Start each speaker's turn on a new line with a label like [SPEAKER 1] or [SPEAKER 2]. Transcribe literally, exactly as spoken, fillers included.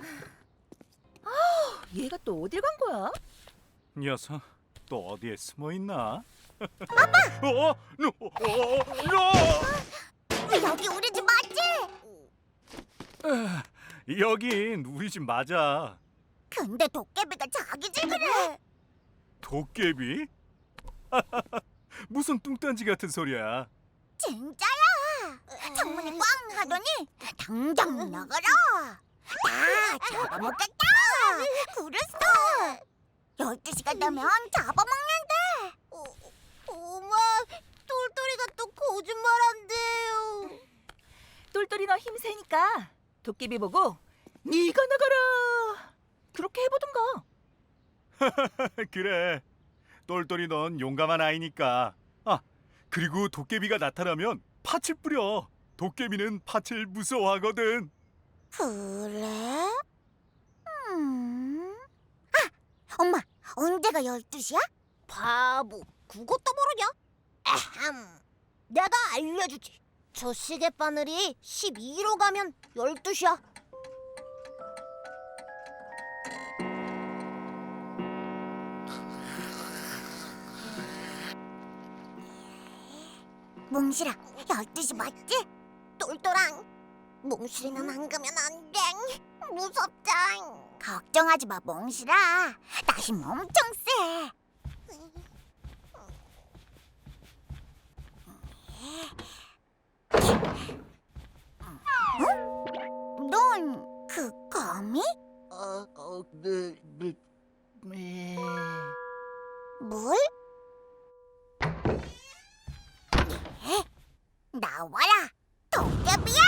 [SPEAKER 1] 얘가 또 어딜 간 거야?
[SPEAKER 2] 녀석 또 어디에 숨어 있나? 아빠! 어? 너, 어, 너!
[SPEAKER 3] 여기 우리 집 맞지?
[SPEAKER 2] 아, 여긴 우리 집 맞아.
[SPEAKER 3] 근데 도깨비가 자기 집이래.
[SPEAKER 2] 도깨비? 무슨 뚱딴지 같은 소리야.
[SPEAKER 3] 진짜야. 창문이 꽝 하더니 당장 나가라. 다 잡아먹겠다. 그랬어. 열두 시가 되면 잡아먹는데. 어, 엄마, 똘똘이가 또 거짓말한대요.
[SPEAKER 1] 똘똘이 너 힘세니까 도깨비 보고 네가 나가라 그렇게 해보던가.
[SPEAKER 2] 그래. 똘똘이 넌 용감한 아이니까. 아, 그리고 도깨비가 나타나면 팥을 뿌려. 도깨비는 팥을 무서워하거든.
[SPEAKER 3] 그래? 음. 아, 엄마, 언제가 열두 시야? 바보, 그것도 모르냐? 아함, 내가 알려주지. 저 시계 바늘이 십이로 가면 열두 시야. 몽실아, 열두 시 맞지? 똘똘랑, 몽실이는 안 가면 안 돼. 무섭다. 걱정하지 마, 몽실아. 나 힘 엄청 세. 어? 넌 그 거미?
[SPEAKER 4] 어, 어, 네, 네, 네.
[SPEAKER 3] 뭘? 에? 나와라, 도깨비야!